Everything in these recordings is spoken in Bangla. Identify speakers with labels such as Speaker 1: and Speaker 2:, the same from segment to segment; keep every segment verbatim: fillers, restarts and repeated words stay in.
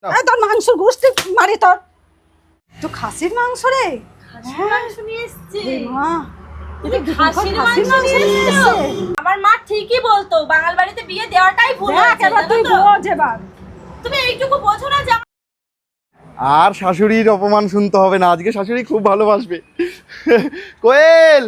Speaker 1: এই তোর মাংসের গোষ্ঠী মারি তোর তো খাসির মাংস রে
Speaker 2: খাসির মাংস নিয়ে এসেছে
Speaker 1: এ মা
Speaker 2: তুমি খাসির মাংস নিয়ে এসেছো আমার মা ঠিকই বলতো বাঙাল বাড়িতে বিয়ে দেওয়াটাই ভুল
Speaker 1: দেখ
Speaker 2: হয়েছে
Speaker 1: এবার তুই বোঝ এবার
Speaker 2: তুমি এইটুকু বোঝো না যে
Speaker 3: আর শাশুড়ির অপমান শুনতে হবে না, আজকে শাশুড়ি খুব ভালোবাসবে। কোয়েল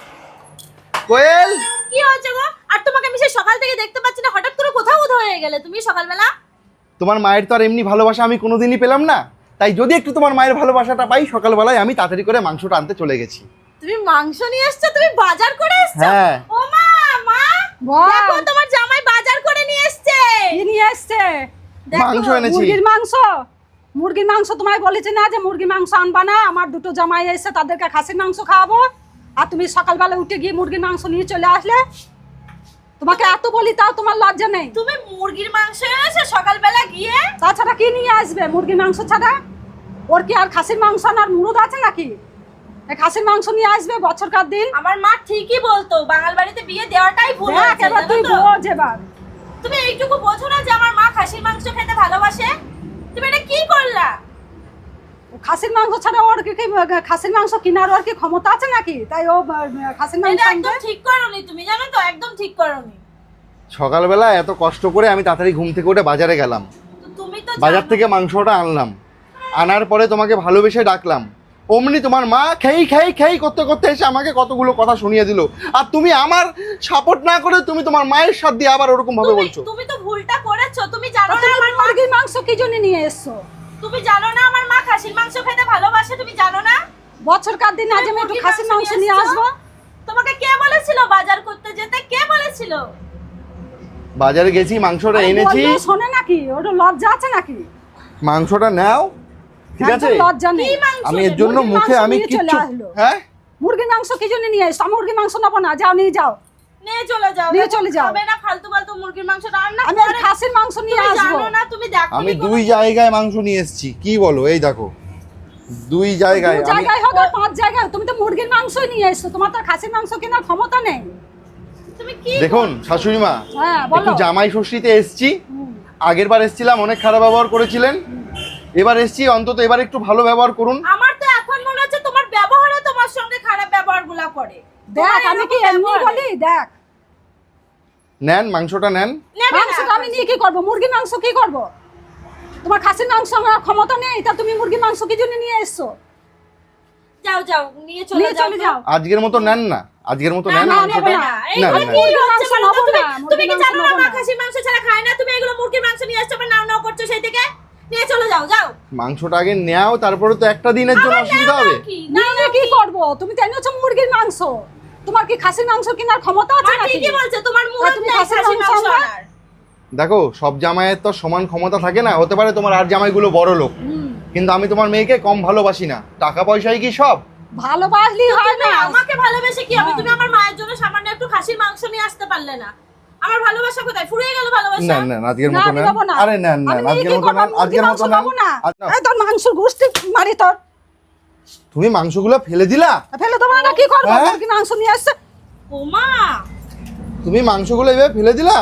Speaker 3: কোয়েল
Speaker 2: কি হয়েছে গো? আর তোমাকে আমি সেই সকাল থেকে দেখতে পাচ্ছি না, হঠাৎ করে কোথাও উধাও হয়ে গেলে তুমি সকালবেলা?
Speaker 3: তোমার মায়ের তো আর এমনি ভালোবাসা আমি কোনোদিনই পেলাম না, তাই যদি একটু তোমার মায়ের ভালোবাসাটা পাই সকালবেলায় আমি তাড়াতাড়ি করে মাংসটা আনতে চলে গেছি।
Speaker 2: তুমি মাংস নিয়ে এসেছো? তুমি বাজার করে এসেছো?
Speaker 3: হ্যাঁ।
Speaker 2: ও মা, মা
Speaker 1: বল।
Speaker 2: দেখো তোমার জামাই বাজার করে নিয়ে এসেছে।
Speaker 1: কি নিয়ে এসছে?
Speaker 2: দেখো,
Speaker 3: মাংস এনেছি।
Speaker 1: মুরগির মাংস মুরগির মাংস তোমায় বলেছি না যে মুরগির মাংস আনবা না, আমার দুটো জামাই এসে তাদেরকে খাসির মাংস খাওয়াবো, আর তুমি সকালবেলা উঠে গিয়ে মুরগির মাংস নিয়ে চলে আসলে। তোমাকে এত বলি তাও তোমার লজ্জা নেই?
Speaker 2: তুমি মুরগির মাংস এনেছো সকালবেলা গিয়ে?
Speaker 1: তাছাড়া কি নিয়ে আসবে মুরগির মাংস ছাড়া? ওর কি আর খাসির মাংস আনার মুরদ আছে নাকি? এই খাসির মাংস নিয়ে আসবে বছরকার দিন।
Speaker 2: আমার মা ঠিকই বলতো বাঙাল বাড়িতে বিয়ে দেওয়াটাই ভুল
Speaker 1: দেখ
Speaker 2: হয়েছে
Speaker 1: এবার তুই
Speaker 2: জানো তো?
Speaker 1: বোঝ এবার।
Speaker 2: তুমি এইটুকু বোঝো না যে আমার মা খাসির মাংস খেতে ভালোবাসে? তুমি এটা কি করলা?
Speaker 1: খাসির মাংস ছাড়া ওর কি কি খাসির মাংস কেনার ওর কি ক্ষমতা আছে নাকি? তাই ও আহ, খাসির মাংস
Speaker 2: এটা
Speaker 1: আনবে।
Speaker 2: একদম ঠিক করোনি তুমি, জানো তো, একদম ঠিক করোনি।
Speaker 3: সকালবেলা এত কষ্ট করে আমি তাড়াতাড়ি ঘুম থেকে উঠে বাজারে গেলাম,
Speaker 2: তো তুমি তো
Speaker 3: বাজার
Speaker 2: জানো-
Speaker 3: থেকে মাংসটা আনলাম, আনার পরে তোমাকে ভালোবেসে ডাকলাম, অমনি তোমার মা খেই খেই খেই করতে করতে এসে আমাকে কতগুলো কথা শুনিয়ে দিল, আর তুমি আমার সাপোর্ট না করে তুমি তোমার মায়ের সাথ দিয়ে আবার ওরকম ভাবে
Speaker 2: তুমি-
Speaker 3: বলছো।
Speaker 2: তুমি তো ভুলটা করেছো। তুমি জানো
Speaker 1: তা
Speaker 2: না
Speaker 1: তুমি
Speaker 2: আমার মা
Speaker 1: মুরগির মাংস কি জন্য নিয়ে এসছো?
Speaker 2: তুমি জানো না আমার মা খাসির মাংস খেতে ভালোবাসে? তুমি জানো না?
Speaker 1: বছরকার দিন আজ আমি একটু খাসির মাংস নিয়ে আসবো।
Speaker 2: তোমাকে কে বলেছিল বাজার করতে যেতে? কে বলেছিল?
Speaker 3: বাজারে গেছি, মাংসটা
Speaker 1: আরে
Speaker 3: এনেছি,
Speaker 1: বললেও শোনে নাকি? ওটা লজ্জা আছে নাকি?
Speaker 3: মাংসটা নাও, ঠিক আছে?
Speaker 1: একদম লজ্জা নেই।
Speaker 2: কি মাংস?
Speaker 3: আমি এর জন্য
Speaker 1: মুরগির
Speaker 3: মুখে
Speaker 1: মাংস
Speaker 3: আমি
Speaker 1: নিয়ে চলে
Speaker 3: কিচ্ছু
Speaker 1: আসলো।
Speaker 3: হ্যাঁ
Speaker 1: মুরগির মাংস কি জন্য নিয়ে এসছো? মুরগির মাংস নেবো না, যাও নিয়ে যাও।
Speaker 2: নিয়ে চলে যাও।
Speaker 1: নিয়ে
Speaker 2: দেখো,
Speaker 1: চলে যাও।
Speaker 2: খাবে না ফালতু ফালতু মুরগির মাংস রান্না
Speaker 1: আমি আজ
Speaker 2: করে।
Speaker 1: খাসির মাংস নিয়ে
Speaker 2: তুমি
Speaker 1: আসবো।
Speaker 2: জানো না, তুমি দেখো
Speaker 3: আমি দুই জায়গায় মাংস নিয়ে এসেছি, কি বলো? এই দেখো দুই জায়গায়
Speaker 1: দু
Speaker 3: আমি
Speaker 1: জায়গায় হোক আর পাঁচ জায়গায়, তুমি তো মুরগির মাংসই নিয়ে এসছো, তোমার তো আর খাসির মাংস কেনার ক্ষমতা নেই।
Speaker 2: তুমি কি
Speaker 3: দেখুন শাশুড়ি মা,
Speaker 1: হ্যাঁ
Speaker 3: একটু
Speaker 1: বলো।
Speaker 3: জামাই ষষ্ঠীতে এসেছি,
Speaker 1: হুম।
Speaker 3: আগের বার এসেছিলাম অনেক খারাপ ব্যবহার করেছিলেন, এবার এসেছি অন্তত এবার একটু ভালো ব্যবহার করুন।
Speaker 2: আমার তো এখন মনে হচ্ছে তোমার ব্যবহারে তোমার সঙ্গে খারাপ ব্যবহারগুলো করে।
Speaker 1: দেখ
Speaker 2: তোমার
Speaker 1: আমি কি
Speaker 2: এরকম
Speaker 1: এমনি
Speaker 2: ব্যবহারে।
Speaker 1: বলি? দেখ
Speaker 3: নেন মাংসটা নেন।
Speaker 2: নেবে না।
Speaker 1: মাংসটা আমি নিয়ে কি করবো? মুরগির মাংস কি করবো? তোমার খাসির মাংস আমার ক্ষমতা নেই, তা তুমি মুরগির মাংস কি জন্য নিয়ে এসছো?
Speaker 2: যাও যাও নিয়ে চলে
Speaker 1: নিয়ে
Speaker 2: যাও
Speaker 1: চলে
Speaker 2: তো।
Speaker 1: যাও।
Speaker 3: আজকের মতো নেন না, আজকের মতো
Speaker 2: না,
Speaker 3: নেন
Speaker 2: না,
Speaker 3: মাংসটা।
Speaker 2: নেবে না।
Speaker 3: না
Speaker 2: এইগুলো
Speaker 3: না
Speaker 2: কি
Speaker 3: না।
Speaker 2: হচ্ছে বলো তো?
Speaker 1: মাংস
Speaker 2: তুমি-
Speaker 1: নেবো না,
Speaker 2: তুমি কি
Speaker 1: মুরগির
Speaker 2: জানো
Speaker 1: মাংস
Speaker 2: না
Speaker 1: নেবো
Speaker 2: মা
Speaker 1: না।
Speaker 2: খাসির মাংস ছাড়া খায় না? তুমি এগুলো মুরগির মাংস নিয়ে আসছো, আবার নাও নাও করছো সেই থেকে। নিয়ে চলে যাও, যাও।
Speaker 3: মাংসটা আগে নেও, তারপরে তো একটা দিনের জন্য
Speaker 2: আবার
Speaker 3: অসুবিধা
Speaker 2: নাও
Speaker 3: হবে।
Speaker 2: নাও কি? নাও
Speaker 1: নিয়ে কি করবো? তুমি তো এনেছো মুরগির মাংস, তোমার কি খাসির মাংস কেনার ক্ষমতা আছে
Speaker 2: মা
Speaker 1: নাকি?
Speaker 2: ঠিকই বলছে, তোমার মুখ
Speaker 1: তা তুমি
Speaker 2: নেই
Speaker 1: খাসির
Speaker 2: খাসির
Speaker 1: মাংস
Speaker 2: মাংস
Speaker 1: আনবা?
Speaker 2: আনার।
Speaker 3: দেখো সব জামাইয়ের তো সমান ক্ষমতা থাকে না, হতে পারে তোমার আর জামাইগুলো বড় লোক,
Speaker 1: হুম।
Speaker 3: কিন্তু আমি তোমার মেয়েকে কম ভালোবাসি না। টাকা পয়সাই কি সব?
Speaker 1: ভালোবাসলি হয়
Speaker 2: তুমি
Speaker 1: না।
Speaker 2: আমাকে ভালোবেসে কি হবে?
Speaker 1: হ্যাঁ।
Speaker 2: তুমি আমার মায়ের জন্য সামান্য একটু খাসির মাংস নিয়ে আসতে পারলে না? আমার ভালোবাসা কোথায়? ফুরিয়ে গেল ভালোবাসা।
Speaker 3: না না আজকের
Speaker 1: না,
Speaker 3: মতো
Speaker 1: আমি
Speaker 3: নেন।
Speaker 1: নেবো না।
Speaker 3: আরে নেন
Speaker 1: আমি
Speaker 3: নেন,
Speaker 1: নিয়ে
Speaker 3: আজকের
Speaker 1: কি
Speaker 3: মতো
Speaker 1: করবো?
Speaker 3: নেন,
Speaker 1: মুরগির
Speaker 3: আজকের
Speaker 1: মাংস
Speaker 3: মতো নেন।
Speaker 1: নেবো না।
Speaker 3: আচ্ছা,
Speaker 1: এই তোর মাংসের গোষ্ঠী মারি তোর।
Speaker 3: তুমি মাংসগুলো ফেলে দিলা?
Speaker 1: ফেলে দেবো না, কি করবো?
Speaker 3: হ্যাঁ?
Speaker 1: মুরগির মাংস নিয়ে আসছে।
Speaker 2: ও মা,
Speaker 3: তুমি মাংসগুলো এভাবে ফেলে দিলা?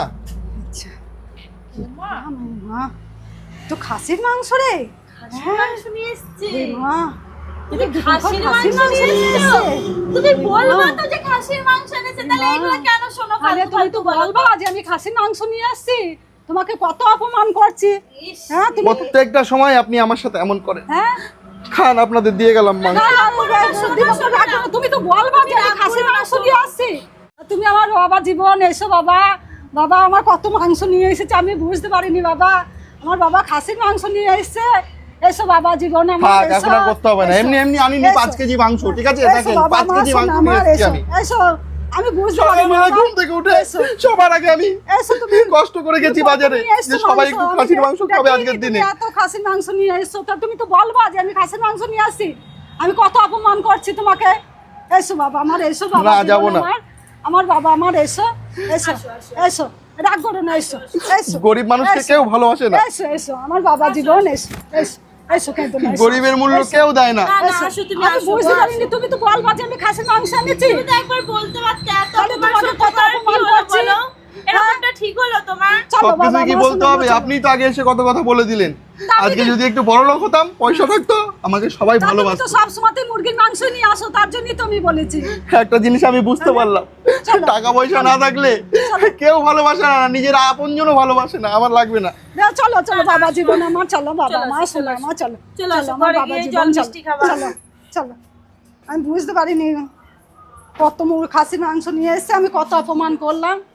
Speaker 2: ও মা,
Speaker 1: মা, তো খাসির মাংস রে।
Speaker 2: খাসির মাংস নিয়ে এসেছে।
Speaker 1: এ মা,
Speaker 2: তুমি
Speaker 1: এটা
Speaker 2: খাসির
Speaker 1: খাসির
Speaker 2: মাংস
Speaker 1: মাংস
Speaker 2: নিয়ে
Speaker 1: নিয়ে
Speaker 2: এসেছো?
Speaker 1: এসেছে।
Speaker 2: তুমি বলবা
Speaker 1: মা।
Speaker 2: তো যে খাসির মাংস এনেছে, তাহলে
Speaker 1: মা।
Speaker 2: এগুলো কেন শোনো
Speaker 1: আরে
Speaker 2: ফালতু
Speaker 1: তুমি তো
Speaker 2: ফালতু বলো?
Speaker 1: বলবা যে আমি খাসির মাংস নিয়ে আসছি, তোমাকে কত অপমান করছি।
Speaker 2: ইস,
Speaker 1: হ্যাঁ তুমি
Speaker 3: প্রত্যেকটা সময় আপনি আমার সাথে এমন করেন।
Speaker 1: হ্যাঁ
Speaker 3: খান, আপনাদের দিয়ে গেলাম মাংস।
Speaker 1: না, দিবস তো রাখো না। তুমি তো বলবা যে আমি খাসির মাংস নিয়ে আসছি। তুমি আমার বাবা জীবন এসো বাবা, বাবা আমার কত মাংস নিয়ে এসেছে আমি বুঝতে পারিনি বাবা, আমার বাবা খাসির মাংস নিয়ে এসেছে। এসো বাবা জীবন আমার,
Speaker 3: থাক,
Speaker 1: এসো,
Speaker 3: এখন আর করতে হবে না।
Speaker 1: এসো,
Speaker 3: এমনি এমনি আনিনি
Speaker 1: এসো।
Speaker 3: পাঁচ কেজি মাংস, ঠিক আছে?
Speaker 1: এসো
Speaker 3: দেখেন
Speaker 1: বাবা,
Speaker 3: পাঁচ
Speaker 1: আমার
Speaker 3: কেজি মাংস
Speaker 1: সোনা,
Speaker 3: নিয়ে
Speaker 1: আমার
Speaker 3: এসেছি
Speaker 1: এসো,
Speaker 3: আমি।
Speaker 1: এসো, আমি বুঝতে পারিনি
Speaker 3: সকালবেলা
Speaker 1: বাবা।
Speaker 3: ঘুম থেকে উঠে
Speaker 1: এসো,
Speaker 3: সবার আগে আমি
Speaker 1: এসো তুমি।
Speaker 3: কষ্ট করে গেছি
Speaker 1: তুমি
Speaker 3: বাজারে
Speaker 1: নিয়ে এসছো
Speaker 3: যে সবাই
Speaker 1: মাংস,
Speaker 3: একটু
Speaker 1: আমি
Speaker 3: খাসির মাংস খাবে
Speaker 1: দেখিনি
Speaker 3: আজকের
Speaker 1: তুমি
Speaker 3: দিনে।
Speaker 1: এত খাসির মাংস নিয়ে এসছো, তা তুমি তো বলবা যে আমি খাসির মাংস নিয়ে আসছি। আমি কত অপমান করছি তোমাকে। এসো বাবা আমার, এসো বাবা
Speaker 3: না,
Speaker 1: জীবন
Speaker 3: যাবো না।
Speaker 1: আমার, আমার বাবা আমার, এসো এসো
Speaker 2: আসো, আসো।
Speaker 1: এসো, রাগ করো না, এসো এসো,
Speaker 3: গরিব মানুষকে
Speaker 1: এসো,
Speaker 3: কেউ ভালোবাসে না,
Speaker 1: এসো এসো আমার বাবা জীবন, এসো এসো এসো, কেঁদো না, এসো।
Speaker 3: গরিবের মূল্য
Speaker 1: এসো,
Speaker 3: কেউ দেয় না।
Speaker 2: না, না,
Speaker 1: এসো।
Speaker 2: আসো তুমি,
Speaker 1: আমি
Speaker 2: আসো,
Speaker 1: বুঝতে
Speaker 2: আসো।
Speaker 1: পারিনি, তুমি তো বলবা যে আমি খাসির মাংস এনেছি।
Speaker 2: তুমি তো একবার বলতে পারতে, এত
Speaker 1: তাহলে
Speaker 2: অপমান
Speaker 1: তোমাকে
Speaker 2: সহ্য
Speaker 1: কত
Speaker 2: করার কি
Speaker 1: অপমান
Speaker 2: হলো
Speaker 1: করছি।
Speaker 2: বলো? এরকমটা ঠিক হলো তোমার?
Speaker 1: চলো বাবা,
Speaker 3: সবকিছু কি
Speaker 1: আমার
Speaker 3: বলতে
Speaker 1: সঙ্গে
Speaker 3: হবে?
Speaker 1: চলো।
Speaker 3: আপনি তো আগে এসে কত কথা বলে দিলেন।
Speaker 1: তা আমি
Speaker 3: আজকে
Speaker 1: কি-
Speaker 3: যদি একটু বড় লোক হতাম, পয়সা থাকতো, আমাকে সবাই
Speaker 1: তা তুমি তো
Speaker 3: ভালোবাসতো।
Speaker 1: সব সময় মুরগির মাংস নিয়ে আসো, তার জন্যই তো আমি বলেছি।
Speaker 3: একটা জিনিস আমি বুঝতে পারলাম,
Speaker 1: চলো।
Speaker 3: টাকা পয়সা না থাকলে কেউ ভালোবাসে না, নিজের আপনজনও ভালোবাসে না। আমার লাগবে না।
Speaker 1: না, চলো চলো বাবা জীবন আমার, চলো বাবা
Speaker 2: চলো,
Speaker 1: মা,
Speaker 2: চলো,
Speaker 1: শোনো আমার, চলো
Speaker 2: চলো,
Speaker 1: চলো আমার
Speaker 2: ঘরে
Speaker 1: বাবা
Speaker 2: গিয়ে
Speaker 1: জীবন,
Speaker 2: জল
Speaker 1: চলো
Speaker 2: মিষ্টি খাবা।
Speaker 1: চলো চলো। আমি বুঝতে পারিনি কত মুর খাসির মাংস নিয়ে এসছে, আমি কত অপমান করলাম।